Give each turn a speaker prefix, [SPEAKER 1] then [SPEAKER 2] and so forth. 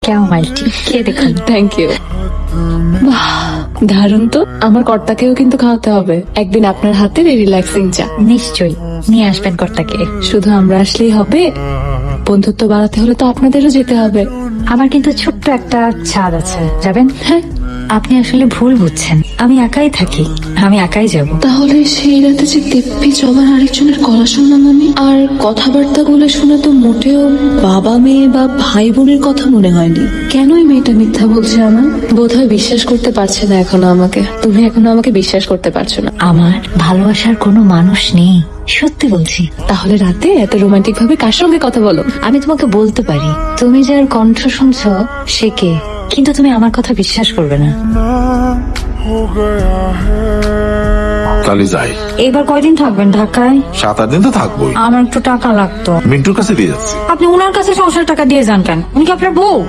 [SPEAKER 1] কেমন মাইলটি খেয়ে দেখুন।
[SPEAKER 2] Thank you. দারুণ তো, আমার কর্তাকেও কিন্তু খাওয়াতে হবে একদিন আপনার হাতের এই রিল্যাক্সিং চা।
[SPEAKER 1] নিশ্চয়ই নিয়ে আসবেন কর্তাকে।
[SPEAKER 2] শুধু আমরা আসলেই হবে, বন্ধুত্ব বাড়াতে হলে তো আপনাদেরও যেতে হবে।
[SPEAKER 1] আমার কিন্তু ছোট্ট একটা ছাদ আছে, যাবেন?
[SPEAKER 2] হ্যাঁ,
[SPEAKER 1] আপনি আসলে ভুল বুঝছেন, আমি একাই থাকি, আমি একাই যাব।
[SPEAKER 2] তাহলে সেই রাতে যে দিব্যি জবার আরেকজনের গলা শুনলাম আমি, আর কথাবার্তা গুলো শুনে তো মোটেও বাবা মেয়ে বা ভাই বোনের কথা মনে হয়নি। কেনই মেয়েটা মিথ্যা বলছে আমার? বোধহয় বিশ্বাস করতে পারছে না এখনো আমাকে। তুমি এখনো আমাকে বিশ্বাস করতে পারছো না।
[SPEAKER 1] আমার ভালোবাসার কোনো মানুষ নেই, সত্যি বলছি।
[SPEAKER 2] তাহলে রাতে এত রোমান্টিক ভাবে কার সঙ্গে কথা বলো?
[SPEAKER 1] আমি তোমাকে বলতে পারি, তুমি যার কণ্ঠ শুনছো সে কে, কিন্তু তুমি আমার কথা বিশ্বাস করবে না।
[SPEAKER 3] তাহলে যাই।
[SPEAKER 1] এবার কয়দিন থাকবেন ঢাকায়?
[SPEAKER 3] 7-8 দিন তো থাকবোই।
[SPEAKER 1] আমার একটু টাকা লাগতো।
[SPEAKER 3] মিন্টুর কাছে দিয়ে যাচ্ছি।
[SPEAKER 1] আপনি ওনার কাছে সংসার টাকা দিয়ে যান কেন? উনি কি আপনার বউ?